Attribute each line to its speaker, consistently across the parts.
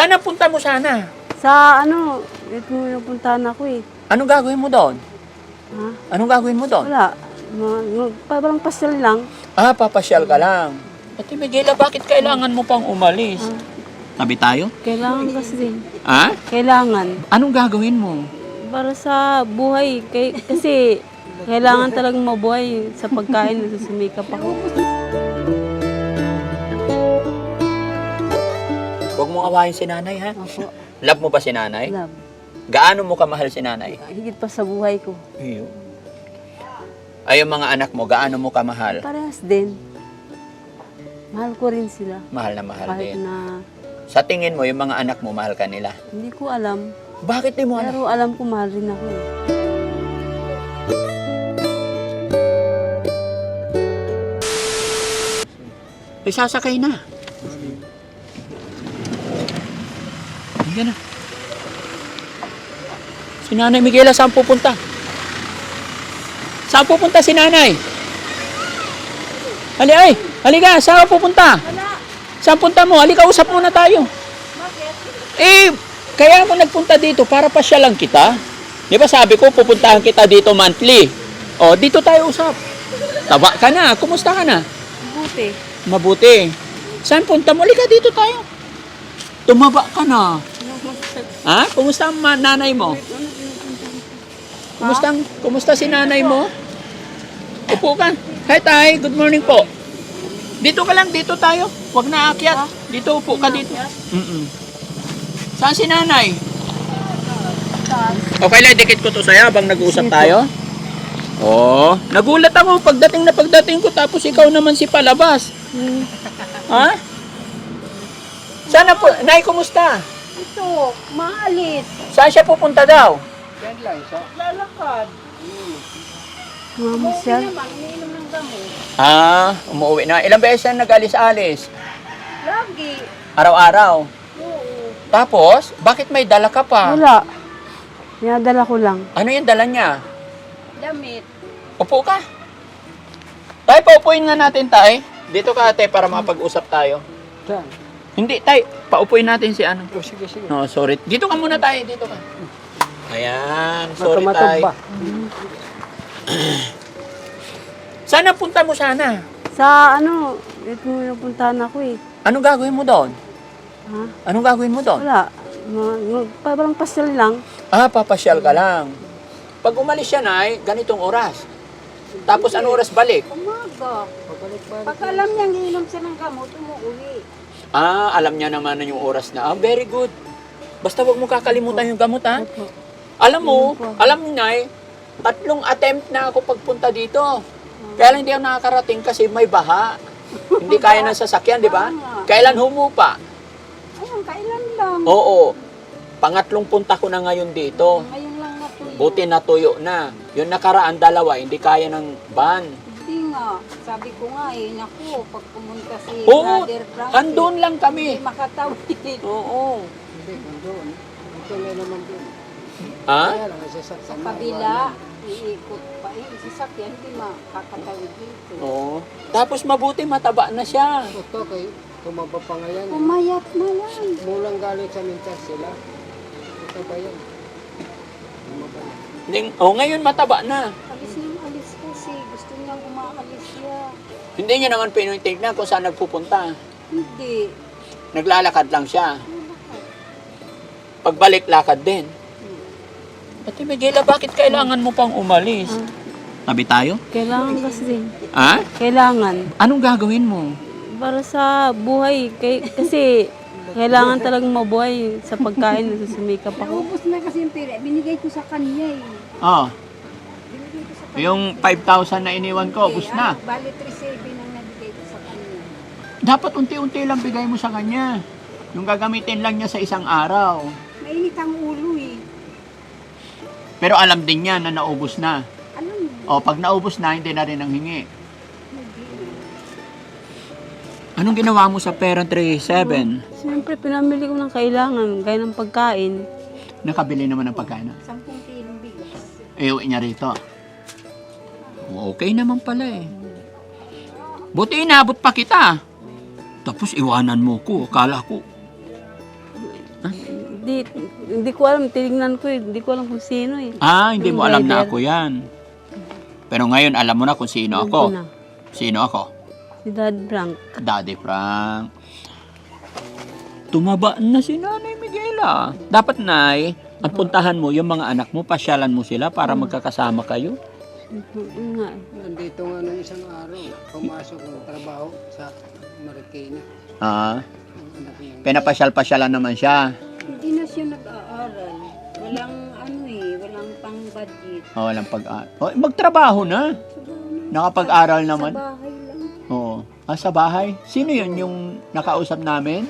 Speaker 1: Saan ang punta mo sana?
Speaker 2: Sa ano, ito yung puntahan ako eh.
Speaker 1: Anong gagawin mo doon?
Speaker 2: Ha?
Speaker 1: Anong gagawin mo doon?
Speaker 2: Wala. Parang pasyal lang.
Speaker 1: Ah, papasyal ka lang. Ate Miguela, bakit kailangan mo pang umalis? Tabi tayo?
Speaker 2: Kailangan kasi din.
Speaker 1: Ha?
Speaker 2: Kailangan.
Speaker 1: Anong gagawin mo?
Speaker 2: Para sa buhay. Kasi kailangan talagang mabuhay sa pagkain na susumikap ako.
Speaker 1: Huwag mong awayin si nanay, ha?
Speaker 2: Opo.
Speaker 1: Love mo ba si nanay?
Speaker 2: Love.
Speaker 1: Gaano mo kamahal si nanay?
Speaker 2: Higit pa sa buhay ko.
Speaker 1: Iyo. Ay, yung mga anak mo, gaano mo kamahal?
Speaker 2: Parehas din. Mahal ko rin sila.
Speaker 1: Mahal na mahal
Speaker 2: Kahit
Speaker 1: din.
Speaker 2: na
Speaker 1: Sa tingin mo, yung mga anak mo, mahal ka nila?
Speaker 2: hindi ko alam.
Speaker 1: Bakit di mo alam?
Speaker 2: Pero alam ko mahal rin ako eh.
Speaker 1: Ay, sasakay na. Hindi na. Si Nanay Miguela, saan pupunta? Saan pupunta si Nanay? Halika, saan pupunta? Saan punta mo? Halika, usap muna tayo. Eh, kaya mo nagpunta dito para pasyalan kita. Di ba sabi ko, pupuntahan kita dito monthly. O, dito tayo usap. Taba ka na, kumusta ka na?
Speaker 2: Buti.
Speaker 1: Mabuti. Saan punta mo? Halika, dito tayo. Tumaba ka na. Ha? Kumusta ang nanay mo? Kumusta si nanay mo? Upo ka. Hi, Tay. Good morning po. Dito ka lang, dito tayo. Huwag na aakyat. Dito, upo ka dito. Saan si nanay? Okay lang, dikit ko to sa'yo habang nag-uusap tayo. Oh, nagulat ako pagdating ko tapos ikaw naman si palabas. Ha? Sana po, Nay, kumusta?
Speaker 2: Ito, maalis.
Speaker 1: Saan siya pupunta daw?
Speaker 2: Lalakad. Mamasyal.
Speaker 1: Ah, umuwi na. Ilang beses na nag-alis-alis?
Speaker 2: Lagi.
Speaker 1: Araw-araw.
Speaker 2: Oo.
Speaker 1: Tapos, bakit may dala ka pa?
Speaker 2: Wala. Dinadala ko lang.
Speaker 1: Ano yung dala niya?
Speaker 2: Damit.
Speaker 1: Upo ka. Tay, paupuin na natin, Tay. Dito ka, Ate, para makapag-usap tayo. Hindi, Tay. Paupuin natin si ano.
Speaker 3: Sige.
Speaker 1: No, sorry. Dito ka muna, Tay. Dito ka. Ayan. Sorry, Tay. Saan ang punta mo sana?
Speaker 2: Sa ano, ito yung puntahan ako eh.
Speaker 1: Anong gagawin mo doon?
Speaker 2: Ha?
Speaker 1: Anong gagawin mo doon?
Speaker 2: Wala. Parang pasyal lang.
Speaker 1: Ah, papasyal ka lang. Pag umalis siya, Nay, ganitong oras. Tapos ano oras balik?
Speaker 4: Umaga. Pag alam niyang iinom siya ng gamot, umuwi.
Speaker 1: Ah, alam niya naman na yung oras na. Ah, very good. Basta wag mo kakalimutan yung gamot, ha?
Speaker 2: Opo.
Speaker 1: Alam mo, alam mo, Nay, 3 attempt na ako pagpunta dito. Kaya lang hindi ako nakakarating kasi may baha. Hindi kaya ng sasakyan, di ba? Kailan humupa?
Speaker 4: Ayun, kailan lang.
Speaker 1: Oo. Pangatlong punta ko na ngayon dito.
Speaker 4: Ngayon lang natuloy.
Speaker 1: Buti natuyo na. Yung nakaraan 2, hindi kaya ng van.
Speaker 4: Hindi nga. Sabi ko nga eh, naku, pag pumunta si
Speaker 1: Oo,
Speaker 4: Brother Frankie,
Speaker 1: andun lang
Speaker 4: hindi
Speaker 1: kami.
Speaker 4: makatawid.
Speaker 1: Oo.
Speaker 3: Hindi, nandun. Ito na naman dun.
Speaker 1: Ha?
Speaker 3: Kaya lang, sasakyan
Speaker 4: Sa
Speaker 3: na,
Speaker 4: kabila, iikot pa eh. Sasakyan, hindi makakatawid dito.
Speaker 1: Oo. Tapos mabuti mataba na siya.
Speaker 3: Ito kay tumaba pa nga yan.
Speaker 4: Pumayat na yan.
Speaker 3: Mulang galing sa mintas sila. Ito ba yan? Tumaba na.
Speaker 1: Ngayon mataba na.
Speaker 4: Alis niyang alis kasi. Gusto niyang umaalis siya.
Speaker 1: Hindi niya naman pinitignan kung saan nagpupunta.
Speaker 4: Hindi.
Speaker 1: Naglalakad lang siya. Pagbalik, lakad din. Ate Miguela, bakit kailangan mo pang umalis? Tabi tayo?
Speaker 2: Kailangan kasi din.
Speaker 1: Ha?
Speaker 2: Kailangan.
Speaker 1: Anong gagawin mo?
Speaker 2: Para sa buhay. Kasi kailangan talagang mabuhay sa pagkain na susumikap ako.
Speaker 4: Naubos na kasi yung pera. Binigay ko sa kanya eh.
Speaker 1: Oh. Yung 5,000 na iniwan ko, ubus na.
Speaker 4: Bali 3,700 ang nabigay ko sa kanya.
Speaker 1: Dapat unti-unti lang bigay mo sa kanya. Yung gagamitin lang niya sa isang araw.
Speaker 4: Mainit ang ulo eh.
Speaker 1: Pero alam din niya na naubos na.
Speaker 4: Alam mo,
Speaker 1: O, pag naubos na, hindi na rin ang hingi. Anong ginawa mo sa pera 3,700?
Speaker 2: Siyempre, pinamili ko ng kailangan, gaya ng pagkain.
Speaker 1: Nakabili naman ng pagkain.
Speaker 4: 10 kilong bigas.
Speaker 1: Iuwi niya rito. Okay naman pala eh. Buti inabot pa kita. Tapos iwanan mo ko. Akala ko.
Speaker 2: Hindi ko alam, tinignan ko hindi ko alam kung sino eh.
Speaker 1: Hindi
Speaker 2: Yung
Speaker 1: mo alam na
Speaker 2: driver.
Speaker 1: ako yan. Pero ngayon, alam mo na kung sino
Speaker 2: Alam ko
Speaker 1: ako.
Speaker 2: na.
Speaker 1: Sino ako?
Speaker 2: Si Dad Frank.
Speaker 1: Daddy Frank. Tumaba na si Nanay Miguela. Dapat, Nay, ang puntahan mo, yung mga anak mo, pasyalan mo sila para magkakasama kayo.
Speaker 2: Yun nga.
Speaker 3: Nandito nga nung isang araw, pumasok ng trabaho sa Marikina. Ang anak niya.
Speaker 1: Pinapasyal-pasyalan naman siya.
Speaker 4: Hindi na siya nag-aaral. Walang walang pang-budget.
Speaker 1: Walang magtrabaho na. Nakapag-aral naman.
Speaker 4: Sa bahay lang.
Speaker 1: Oo. Sa bahay? Sino yun yung nakausap namin?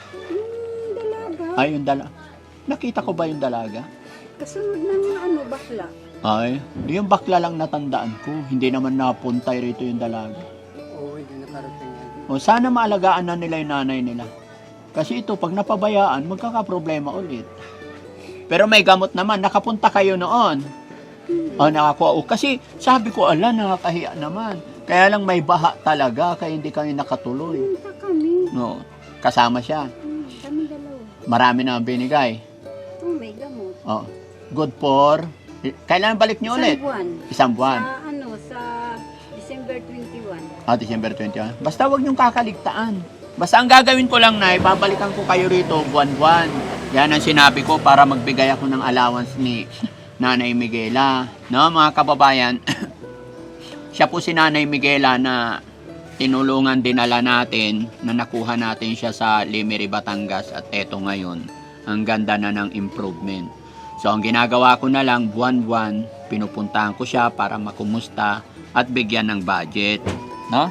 Speaker 4: Yung dalaga.
Speaker 1: Yung dalaga. Nakita ko ba yung dalaga?
Speaker 4: Kasunod ng bakla.
Speaker 1: Yung bakla lang natandaan ko. Hindi naman napuntay rito yung dalaga.
Speaker 3: Oo, hindi nakarating yan.
Speaker 1: Sana maalagaan na nila yung nanay nila. Kasi ito, pag napabayaan, magkakaproblema ulit. Pero may gamot naman. Nakapunta kayo noon. Nakakuha. Kasi sabi ko, nakakahiya naman. Kaya lang may baha talaga, kaya hindi kami nakatuloy.
Speaker 4: Punta kami.
Speaker 1: No, kasama siya.
Speaker 4: Kami dalawa.
Speaker 1: Marami na ang binigay.
Speaker 4: May gamot.
Speaker 1: Good for... Kailan balik niyo ulit?
Speaker 4: Isang buwan.
Speaker 1: Isang buwan.
Speaker 4: Sa December 21.
Speaker 1: December 21. Basta wag niyong kakaligtaan. Basta ang gagawin ko lang, Nay, babalikan ko kayo rito buwan-buwan. Yan ang sinabi ko para magbigay ako ng allowance ni Nanay Miguela. No, mga kababayan, siya po si Nanay Miguela na tinulungan dinala natin na nakuha natin siya sa Limeri, Batangas at eto ngayon, ang ganda na ng improvement. So, ang ginagawa ko na lang, buwan-buwan, pinupuntahan ko siya para makumusta at bigyan ng budget. No?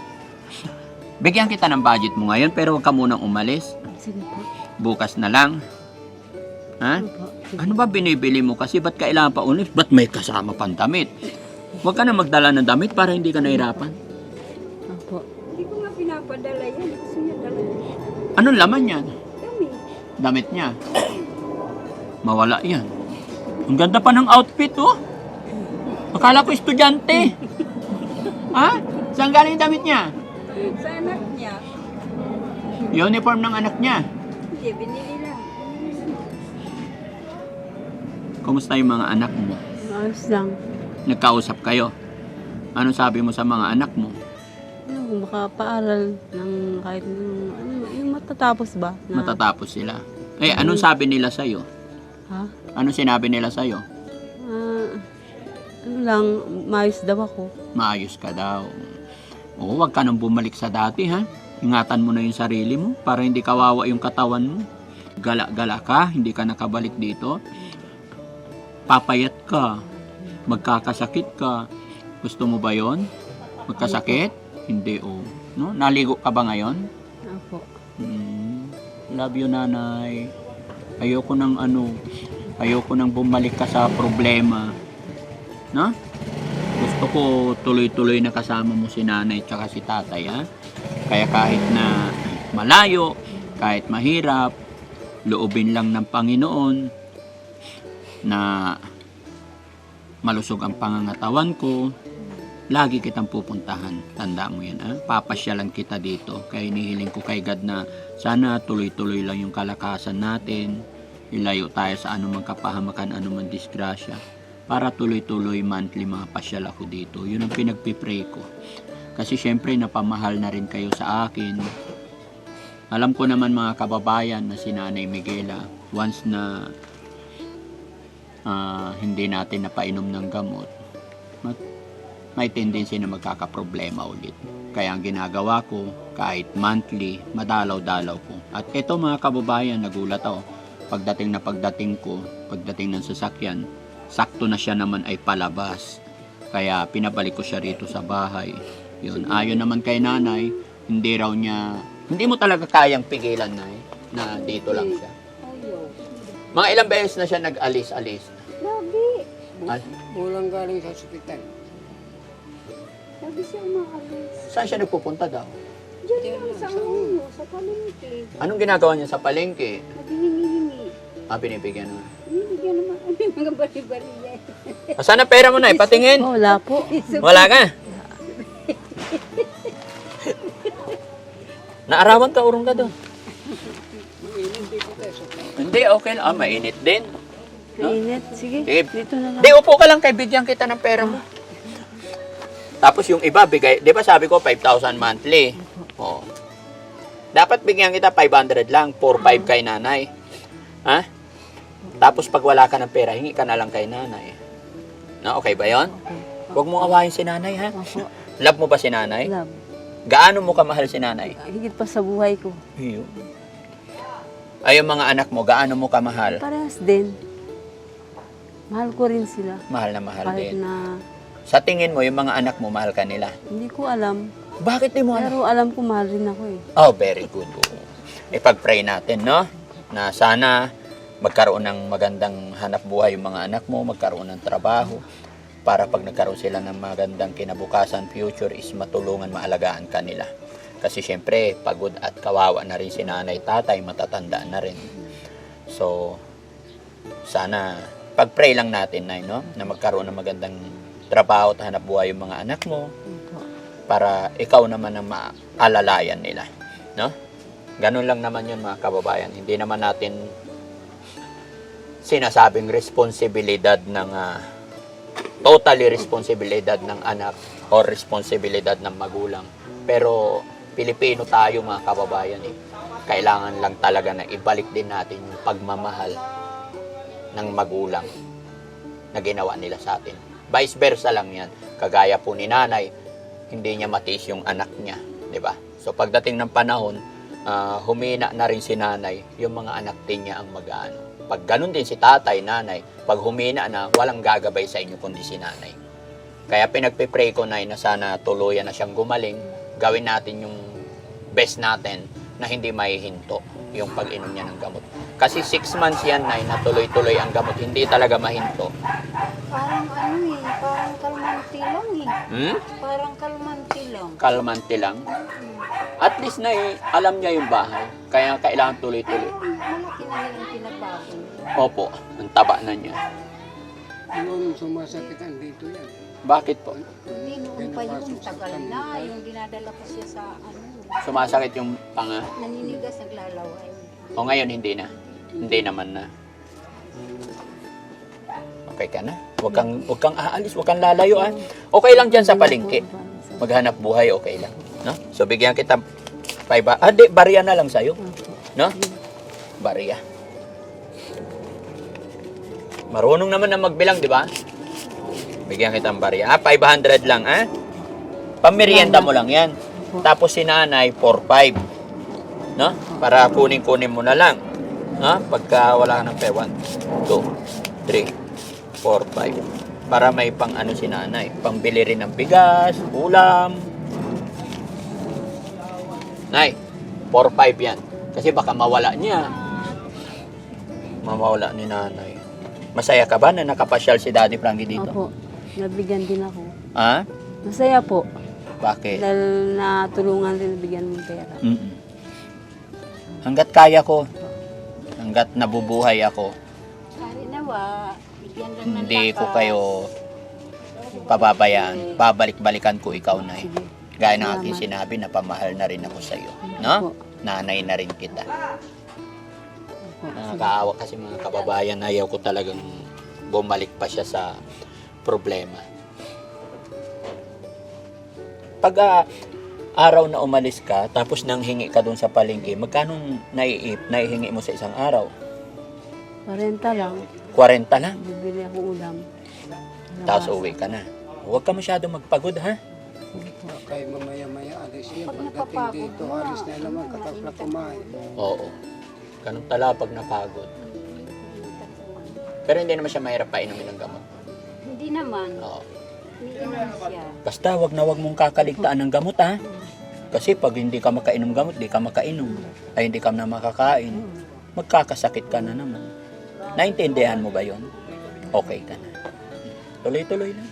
Speaker 1: Bigyan kita ng budget mo ngayon, pero huwag ka munang umalis.
Speaker 2: Sige po.
Speaker 1: Bukas na lang. Ha?
Speaker 2: Opo.
Speaker 1: Ano ba binibili mo? Kasi ba't kailangan pa ulit? Ba't may kasama pang damit? Huwag ka na magdala ng damit para hindi ka nahirapan.
Speaker 2: Opo.
Speaker 4: Hindi ko nga pinapadala yan. Gusto niya dala.
Speaker 1: Anong laman yan?
Speaker 4: Kami.
Speaker 1: Damit niya. Mawala yan. Ang ganda pa ng outfit, oh. Akala ko estudyante. Ha? Saan galing yung damit niya?
Speaker 4: Sa anak niya.
Speaker 1: Uniform ng anak niya.
Speaker 4: Hindi, binili lang.
Speaker 1: Kumusta yung mga anak mo?
Speaker 2: Ayos lang.
Speaker 1: Nagkausap kayo? Anong sabi mo sa mga anak mo?
Speaker 2: Kung makapaaral ng kahit yung matatapos ba?
Speaker 1: Matatapos sila. Anong sabi nila sa'yo?
Speaker 2: Ha?
Speaker 1: Anong sinabi nila sa'yo?
Speaker 2: Ano lang, maayos daw ako.
Speaker 1: Maayos ka daw. Oo, wag ka nang bumalik sa dati, ha? Ingatan mo na yung sarili mo para hindi kawawa yung katawan mo. Gala-gala ka, hindi ka nakabalik dito. Papayat ka. Magkakasakit ka. Gusto mo ba yon? Magkasakit? Hindi, oh. No? Naligo ka ba ngayon?
Speaker 2: Opo.
Speaker 1: Love you, Nanay. Ayoko nang bumalik ka sa problema. No? Gusto ko tuloy-tuloy na kasama mo si Nanay at si Tatay, ha? Kaya kahit na malayo, kahit mahirap, loobin lang ng Panginoon na malusog ang pangangatawan ko, lagi kitang pupuntahan. Tandaan mo yan, ha? Papasyalan kita dito. Kaya inihiling ko kay God na sana tuloy-tuloy lang yung kalakasan natin. Ilayo tayo sa anumang kapahamakan, anumang disgrasya. Para tuloy-tuloy monthly mapasyal ako dito. Yun ang pinagpipray ko. Kasi syempre napamahal na rin kayo sa akin. Alam ko naman mga kababayan na si Nanay Miguela, once na hindi natin napainom ng gamot, may tendency na magkakaproblema ulit. Kaya ang ginagawa ko, kahit monthly, madalaw-dalaw ko. At ito mga kababayan, nagulat ako. Pagdating ng sasakyan, sakto na siya naman ay palabas. Kaya pinabalik ko siya rito sa bahay. Yun, ayon naman kay Nanay, hindi mo talaga kayang pigilan, Nay, na dito lang siya.
Speaker 4: Ayaw.
Speaker 1: Mga ilang beses na siya nag-alis-alis.
Speaker 4: Lagi.
Speaker 3: Walang galing sa ospital.
Speaker 4: Lagi siya umaalis.
Speaker 1: Saan siya nagpupunta daw?
Speaker 4: Diyan lang sa sa palengke.
Speaker 1: Anong ginagawa niya sa palengke?
Speaker 4: Naghihingi-hingi.
Speaker 1: Binibigyan naman.
Speaker 4: Binibigyan naman kami mga bali-bali yan.
Speaker 1: Saan ang pera mo, Nay? Patingin.
Speaker 2: Wala po.
Speaker 1: Wala ka. Naarawan ka, urong ka doon.
Speaker 3: Mainom dito tayo sa
Speaker 1: Hindi, okay lang. Mainit din.
Speaker 2: Mainit. Sige,
Speaker 1: Sige.
Speaker 2: dito na lang.
Speaker 1: Di, upo ka lang kay bigyan kita ng pera mo. Tapos yung iba, bigay, di ba sabi ko 5,000 monthly? Oo. Dapat bigyan kita 500 lang, 4-5 kay nanay. Ha? Tapos pag wala ka ng pera, hingi ka na lang kay nanay. Na, okay ba yon? Huwag mong awayin si nanay, ha?
Speaker 2: Opo.
Speaker 1: Love mo ba si nanay?
Speaker 2: Love.
Speaker 1: Gaano mo kamahal si nanay?
Speaker 2: Higit pa sa buhay ko.
Speaker 1: Iyo. Ay, yung mga anak mo, gaano mo kamahal?
Speaker 2: Parehas din. Mahal ko rin sila.
Speaker 1: Mahal na mahal
Speaker 2: Kahit
Speaker 1: din.
Speaker 2: na
Speaker 1: Sa tingin mo, yung mga anak mo, mahal ka nila?
Speaker 2: hindi ko alam.
Speaker 1: Bakit di mo alam?
Speaker 2: Pero alam ko mahal rin ako eh.
Speaker 1: Oh, very good. Ipag-pray natin, no? Na sana magkaroon ng magandang hanap buhay yung mga anak mo, magkaroon ng trabaho, para pag nagkaroon sila ng magandang kinabukasan, future is matulungan, maalagaan ka nila. Kasi syempre, pagod at kawawa na rin si nanay, tatay, matatanda na rin. So, sana, pag-pray lang natin, Nay, no? Na magkaroon ng magandang trabaho at hanap buhay yung mga anak mo, para ikaw naman ang maalalayan nila, no? Ganun lang naman yun, mga kababayan. Hindi naman natin sinasabing responsibilidad ng totally responsibilidad ng anak or responsibilidad ng magulang. Pero Pilipino tayo, mga kababayan, eh. Kailangan lang talaga na ibalik din natin yung pagmamahal ng magulang na ginawa nila sa atin. Vice versa lang yan. Kagaya po ni nanay, hindi niya matiis yung anak niya, di ba? So pagdating ng panahon, humina na rin si nanay, yung mga anak din niya ang mag-aano. Pag ganun din si tatay, nanay, pag humina na, walang gagabay sa inyo kundi si nanay. Kaya pinagpipray ko, Nay, na sana tuluyan na siyang gumaling, gawin natin yung best natin na hindi maihinto yung pag-inom niya ng gamot. Kasi 6 months yan, Nay, na tuloy-tuloy ang gamot, hindi talaga mahinto.
Speaker 4: Parang ano eh, parang kalmanti lang eh.
Speaker 1: Hmm?
Speaker 4: Parang kalmanti lang.
Speaker 1: Kalmante lang. At least, Nay, alam niya yung bahay. Kaya kailangan tuloy-tuloy.
Speaker 4: Malaki na rin ang pinabago niya.
Speaker 1: Opo, ang taba na niya.
Speaker 3: Noon sumasakit ang dito yan.
Speaker 1: Bakit po?
Speaker 4: Hindi noon pa yun, tagal na. Yung dinadala ko siya sa ano,
Speaker 1: Sumasakit yung panga.
Speaker 4: naninigas, naglalaway.
Speaker 1: O ngayon, hindi na. Hindi naman na. Okay ka na? Huwag kang aalis, huwag kang lalayo, ah. Okay lang dyan sa palengke. Maghanap buhay, okay lang. No? So, bigyan kita 5. Di, barya na lang sa'yo. No? Barya. Marunong naman na magbilang, di ba? Bigyan kita ng barya. 500 lang, ha? Pamerienda mo lang yan. Tapos si nanay, 4-5. No? Para kunin mo na lang. No? Pagka wala ka ng pera, 1, 2, 3, 4, 5. Para may pang ano si nanay. Pangbili rin ng bigas, ulam. Nay, 4-5 yan. Kasi baka mawala niya. Mawala ni nanay. Masaya ka ba na nakapasyal si Daddy Frankie dito?
Speaker 2: Opo, nabigyan din ako.
Speaker 1: Ha?
Speaker 2: Masaya po.
Speaker 1: Bakit?
Speaker 2: Dahil natulungan rin nabigyan mo pera.
Speaker 1: Hanggat kaya ko, hanggat nabubuhay ako,
Speaker 4: Sari nawa, bigyan lang ng
Speaker 1: hindi ko
Speaker 4: lakas.
Speaker 1: kayo pababayaan. Babalik-balikan ko ikaw, Nay.
Speaker 2: Sige.
Speaker 1: Gaya ng aking sinabi, napamahal na rin ako sa iyo. No?
Speaker 2: Opo.
Speaker 1: Nanay na rin kita.
Speaker 2: Opo.
Speaker 1: Nakakaawa kasi mga kababayan, ayaw ko talagang bumalik pa siya sa problema. Pag araw na umalis ka, tapos nang hingi ka dun sa palengke, magkano naihingi mo sa isang araw?
Speaker 2: 40 lang.
Speaker 1: 40 lang.
Speaker 2: Bibili ako ulam.
Speaker 1: Tapos uwi ka na. Huwag ka masyado magpagod, ha?
Speaker 3: Kaya mamaya-maya alis yan.
Speaker 4: Pag
Speaker 3: Pagdating
Speaker 4: napapagod
Speaker 3: dito,
Speaker 4: na,
Speaker 3: alis na naman, katapla kumain.
Speaker 1: Oo. Ganun tala pag napagod. Pero hindi naman siya mahirap painumin ng gamot.
Speaker 4: Hindi naman.
Speaker 1: Oo.
Speaker 4: Iniinom siya.
Speaker 1: Basta wag na wag mong kakaligtaan ng gamot, ha? Kasi pag hindi ka makainom gamot, di ka makainom. Ay hindi ka na makakain. Magkakasakit ka na naman. Naintindihan mo ba yon? Okay ka na. Tuloy-tuloy lang.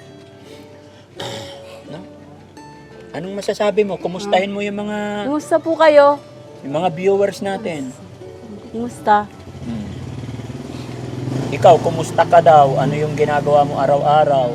Speaker 1: No? Anong masasabi mo? Kumustahin mo yung
Speaker 2: Kumusta po kayo?
Speaker 1: mga viewers natin?
Speaker 2: Kumusta?
Speaker 1: Ikaw, kumusta ka daw? Ano yung ginagawa mo araw-araw?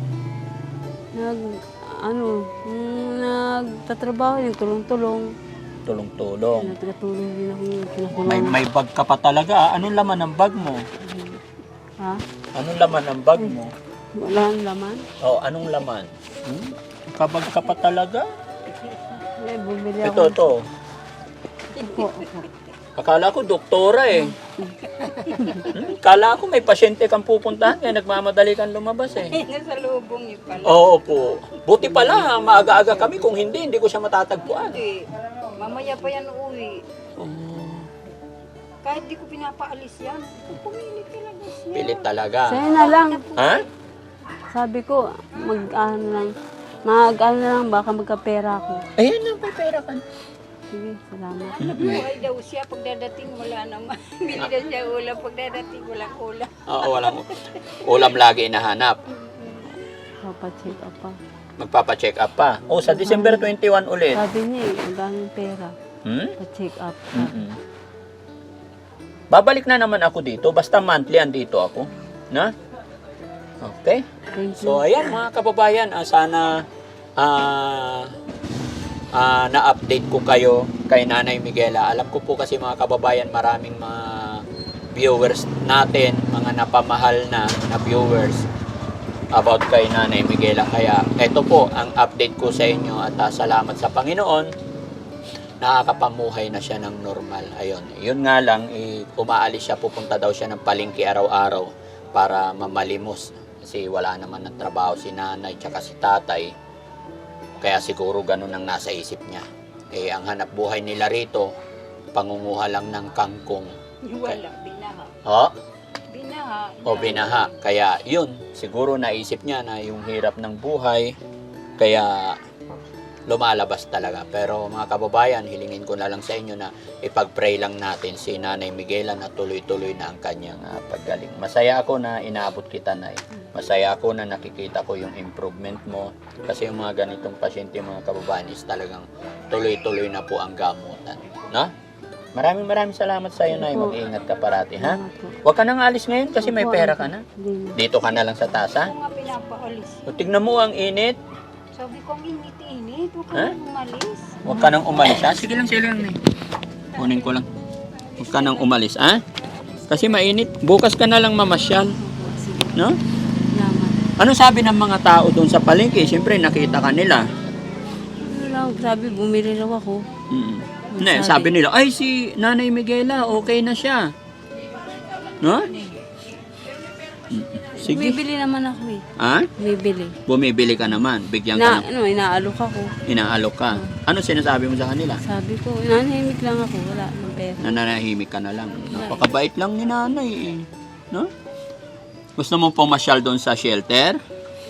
Speaker 2: Nagtatrabaho yung tulong-tulong.
Speaker 1: Tulong-tulong.
Speaker 2: Nagkatulong din ako yung kinakulangan.
Speaker 1: May bag ka pa talaga. Anong laman ng bag mo?
Speaker 2: Ha?
Speaker 1: Anong laman ng bag mo?
Speaker 2: Wala ang laman?
Speaker 1: Oh, anong laman? Kabag ka pa talaga?
Speaker 2: Bumili
Speaker 1: Ito,
Speaker 2: ako.
Speaker 1: ito.
Speaker 2: Opo, opo.
Speaker 1: Akala ko doktora eh. Akala ko may pasyente kang pupuntahan kaya nagmamadali kang lumabas eh.
Speaker 4: Nasa lubong niyo pala.
Speaker 1: Oo po. Buti pala, maaga-aga kami. Kung hindi ko siya matatagpuan.
Speaker 4: Hindi. Mamaya pa yan uwi.
Speaker 1: Oh,
Speaker 4: Kahit di ko pinapaalis yan. Pumilit talaga siya.
Speaker 1: pilit talaga.
Speaker 2: Sa'yo na lang.
Speaker 1: Ha?
Speaker 2: Sabi ko, mag-ano lang. Mag-ano lang, baka magkapera ako.
Speaker 1: Ayan na, may pera ka.
Speaker 2: Sige, salamat.
Speaker 4: Buhay daw siya. Pagdadating wala naman. Bili na siya ulam. Pagdadating walang ulam.
Speaker 1: Oo, walang ulam lagi inahanap.
Speaker 2: Papacheck up pa.
Speaker 1: Magpapacheck up pa. Oh, sa December 21 ulit.
Speaker 2: Sabi niya magkano yung pera.
Speaker 1: Hmm?
Speaker 2: Pa-check up.
Speaker 1: Mm-mm. Babalik na naman ako dito. Basta monthly andito ako. Na? Okay.
Speaker 2: Thank you.
Speaker 1: So, ayan mga kababayan. Sana na-update ko kayo kay Nanay Miguela. Alam ko po kasi mga kababayan, maraming mga viewers natin, mga napamahal na viewers about kay Nanay Miguela. Kaya ito po ang update ko sa inyo at salamat sa Panginoon. Nakakapamuhay na siya ng normal. Ayun. Yun nga lang, umaalis siya, pupunta daw siya ng palengke araw-araw para mamalimos. Kasi wala naman ng trabaho si nanay tsaka si tatay. Kaya siguro ganun ang nasa isip niya. Ang hanap buhay nila rito, pangunguha lang ng kangkong.
Speaker 4: Wala. Binaha.
Speaker 1: Oh?
Speaker 4: Binaha.
Speaker 1: O binaha. Kaya yun, siguro naisip niya na yung hirap ng buhay, kaya lumalabas talaga. Pero mga kababayan, hilingin ko na lang sa inyo na ipag-pray lang natin si Nanay Miguela na tuloy-tuloy na ang kanyang paggaling. Masaya ako na inaabot kita, Nay. Masaya ako na nakikita ko yung improvement mo. Kasi yung mga ganitong pasyente, mga kababayan, is talagang tuloy-tuloy na po ang gamutan. No? Maraming salamat sa iyo, Nay. Mag-ingat ka parati, ha? Huwag ka nang alis ngayon kasi may pera ka na. Dito ka na lang sa tasa.
Speaker 4: Ako nga pinapaalis.
Speaker 1: O, tignan mo ang init.
Speaker 4: Sabi ko, ang init-init. Huwag ka
Speaker 1: Ha?
Speaker 4: nang umalis.
Speaker 1: Huwag ka nang umalis, ha? Sige lang, Nay. Kunin ko lang. Huwag ka nang umalis, ha? Kasi mainit. Bukas ka na lang mamasyal. No?
Speaker 2: Salamat.
Speaker 1: Ano sabi ng mga tao doon sa palengke? Siyempre, nakita ka nila.
Speaker 2: Ano lang, sabi, bumili raw ako.
Speaker 1: Ne, sabi nila, ay si Nanay Miguela, okay na siya. No? Sige.
Speaker 2: Bumibili naman ako eh.
Speaker 1: Ha?
Speaker 2: Bumibili.
Speaker 1: Bumibili ka naman. Bigyan ka ng
Speaker 2: Inaalok ako.
Speaker 1: inaalok ka. Ano sinasabi mo sa kanila?
Speaker 2: Sabi ko, nanahimik lang ako. Wala ng pera.
Speaker 1: Nananahimik ka na lang. Napakabait lang ni nanay eh. No? Gusto mo pumasyal doon sa shelter?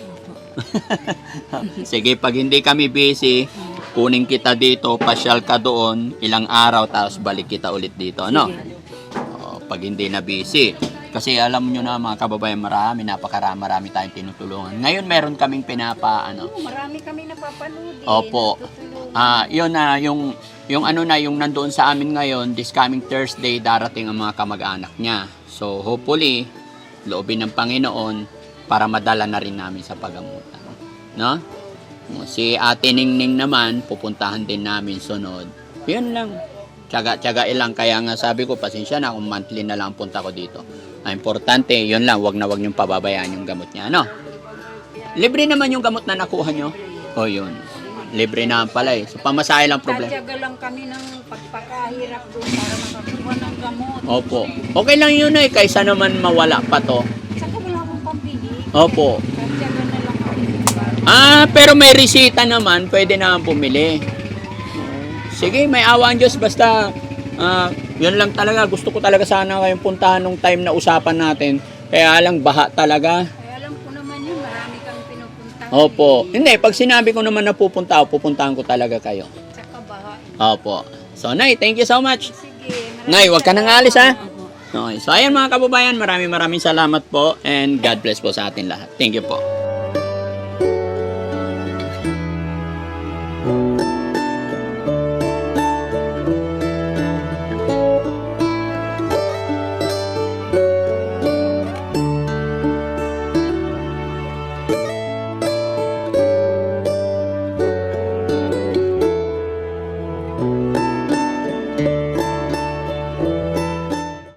Speaker 1: Sige, pag hindi kami busy, kunin kita dito, pasyal ka doon, ilang araw, tapos balik kita ulit dito. Ano?
Speaker 2: Sige.
Speaker 1: Pag hindi na busy. Kasi alam nyo na mga kababayan, marami tayong tinutulungan. Ngayon meron kaming
Speaker 4: Marami kami napapanood.
Speaker 1: Opo. Yun na, yung nandoon sa amin ngayon, this coming Thursday, darating ang mga kamag-anak niya. So, hopefully, loobin ng Panginoon para madala na rin namin sa pagamutan. No? Si Ate Ningning naman, pupuntahan din namin sunod. Yun lang. Tiyaga ilang. Kaya nga sabi ko, pasensya na kung monthly na lang punta ko dito. Ang importante, yun lang, wag niyong pababayaan yung gamot niya. Ano? Libre naman yung gamot na nakuha nyo. O yun. Libre naman pala eh. So, pamasahe lang problema.
Speaker 4: Tatyaga lang kami ng pagpakahirap doon para makakuha ng gamot.
Speaker 1: Opo. Okay lang yun eh, kaysa naman mawala pa to.
Speaker 4: Saka wala akong pambili.
Speaker 1: Opo.
Speaker 4: Tatyaga na lang kami.
Speaker 1: Pero may resita naman, pwede naman bumili. Sige, may awa ang Diyos, basta yun lang talaga. Gusto ko talaga sana kayong puntahan nung time na usapan natin. Kaya lang, baha talaga.
Speaker 4: Kaya alam ko naman yun, marami kang pinupunta.
Speaker 1: Opo. Hindi, pag sinabi ko naman na pupunta ako, pupuntahan ko talaga kayo.
Speaker 4: Saka baha.
Speaker 1: Opo. So, Nay, thank you so much.
Speaker 4: Sige.
Speaker 1: Nay, wag ka nang alis, ha?
Speaker 2: Opo.
Speaker 1: Okay. So, ayan mga kababayan, maraming salamat po and God bless po sa atin lahat. Thank you po.